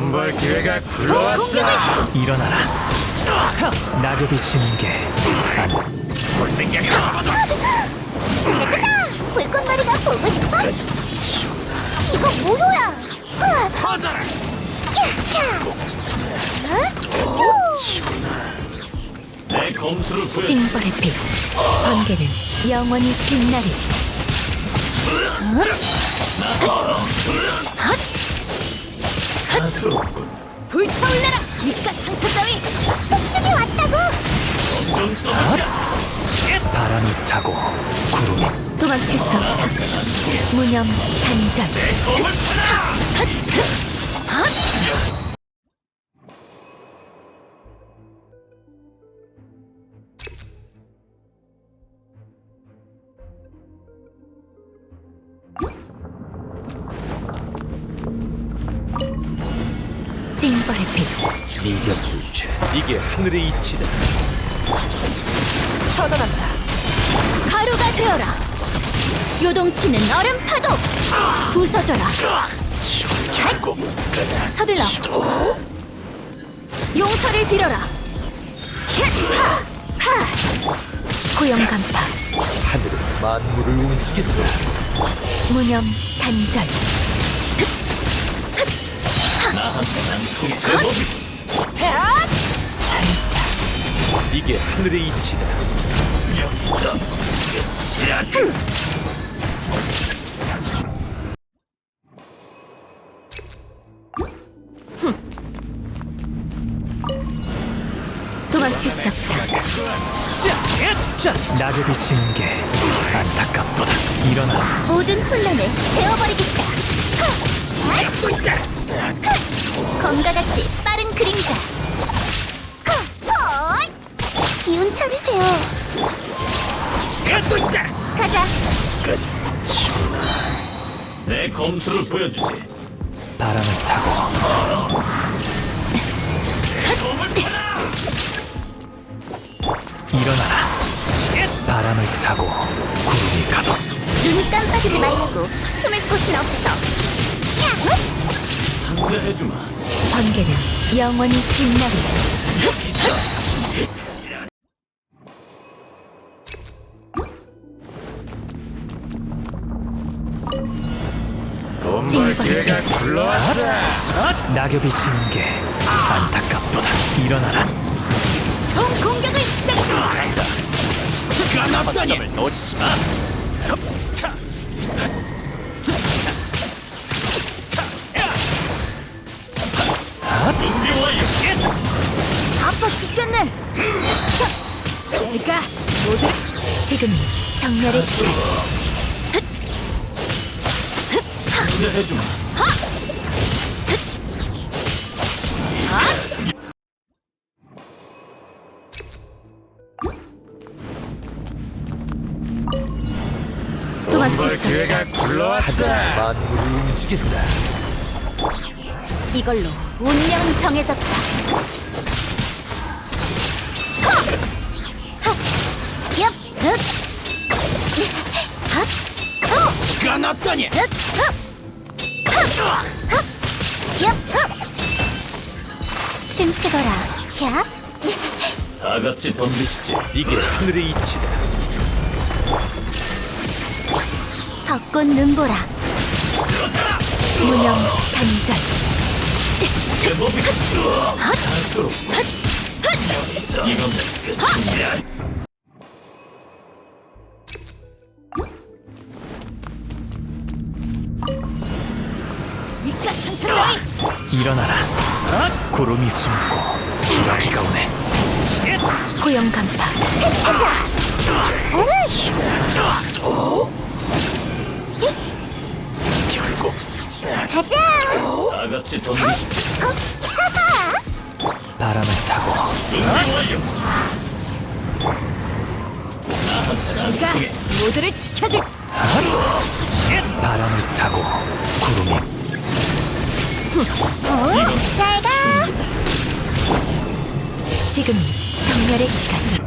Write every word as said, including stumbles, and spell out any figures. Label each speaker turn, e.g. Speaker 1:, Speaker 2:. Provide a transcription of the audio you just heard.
Speaker 1: 돈 벌 기회가 굴러왔어.
Speaker 2: 일어나라. 낙엽이 지는 게 아니.
Speaker 1: 볼 생각이 나거든.
Speaker 3: 됐다! 불꽃놀이가 보고 싶어? 이거 무효야! 으아!
Speaker 1: 터져라. 내 검수를 보여.
Speaker 4: 징벌의 빛, 번개는 영원히 빛나리. 불타올라라! 밑가 상처 따위!
Speaker 3: 폭죽이 왔다고!
Speaker 1: 좀 써볼까?
Speaker 2: 바람이 타고 구름이
Speaker 4: 도망칠 수 없다. 무념 단절.
Speaker 1: 검을 타라.
Speaker 4: 징벌의 빛,
Speaker 2: 미견불체. 이게 하늘의 이치다.
Speaker 4: 처단한다. 가루가 되어라. 요동치는 얼음 파도. 부서져라. 서둘러. 용서를 빌어라. 고용 간파.
Speaker 2: 하늘은 만물을 움직인다.
Speaker 4: 무념 단절. 살자.
Speaker 2: 이게 하늘의 이치다.
Speaker 1: 여기서 끝이야.
Speaker 4: 도망칠 수 없다.
Speaker 2: 자, 낙엽이 지는 게 안타깝도다. 일어나.
Speaker 3: 모든 혼란을 베어버리겠다! 검과 같이 빠른 그림자! 헐! 기운 차리세요! 가자!
Speaker 1: 내 검수를 보여주지.
Speaker 2: 바람을 타고
Speaker 1: 검을 타라.
Speaker 2: 일어나라. 바람을 타고 구름이 가도
Speaker 3: 눈 깜빡이지 말고 숨을 곳은 없어!
Speaker 1: 상대해주마.
Speaker 4: 번개는 영원히 빛나리.
Speaker 1: 돈 벌 기회가 굴러왔어.
Speaker 2: 낙엽이 지는 게 안타깝도다. 일어나라.
Speaker 4: 총 공격을 시작해.
Speaker 2: 거점을 놓치지 마.
Speaker 1: 준비 완료.
Speaker 4: 아파 죽겠네. 내가 모두 지금이 정렬의 시간.
Speaker 1: 상대해주마.
Speaker 4: 도망칠
Speaker 1: 벌
Speaker 4: 수 없다.
Speaker 1: 기회가 굴러왔어.
Speaker 2: 만물을 움직인다.
Speaker 4: 이걸로 운명 정해졌다.
Speaker 3: 엽! 흑!
Speaker 1: 까놨더니.
Speaker 3: 엽! 흑! 춤추거라! 캬!
Speaker 1: 다 같이 덤비시지.
Speaker 2: 이게 하늘의 이치다.
Speaker 4: 벚꽃 눈보라. 무념 단절.
Speaker 1: 내 몸이 단수로. 여기서 이건 끝이야.
Speaker 4: 밑가 상처 따위.
Speaker 2: 일어나라. 구름이 숨고 기러기가 오네.
Speaker 4: 고용 간파.
Speaker 1: 결국
Speaker 3: 가자!
Speaker 1: 다 같이 덤비시지.
Speaker 2: 바람을 타고
Speaker 1: 준비 완료.
Speaker 4: 내가 모두를 지켜줄.
Speaker 2: 바람을 타고 구름이
Speaker 3: 어? 잘 가!
Speaker 4: 지금이 정렬의 시간.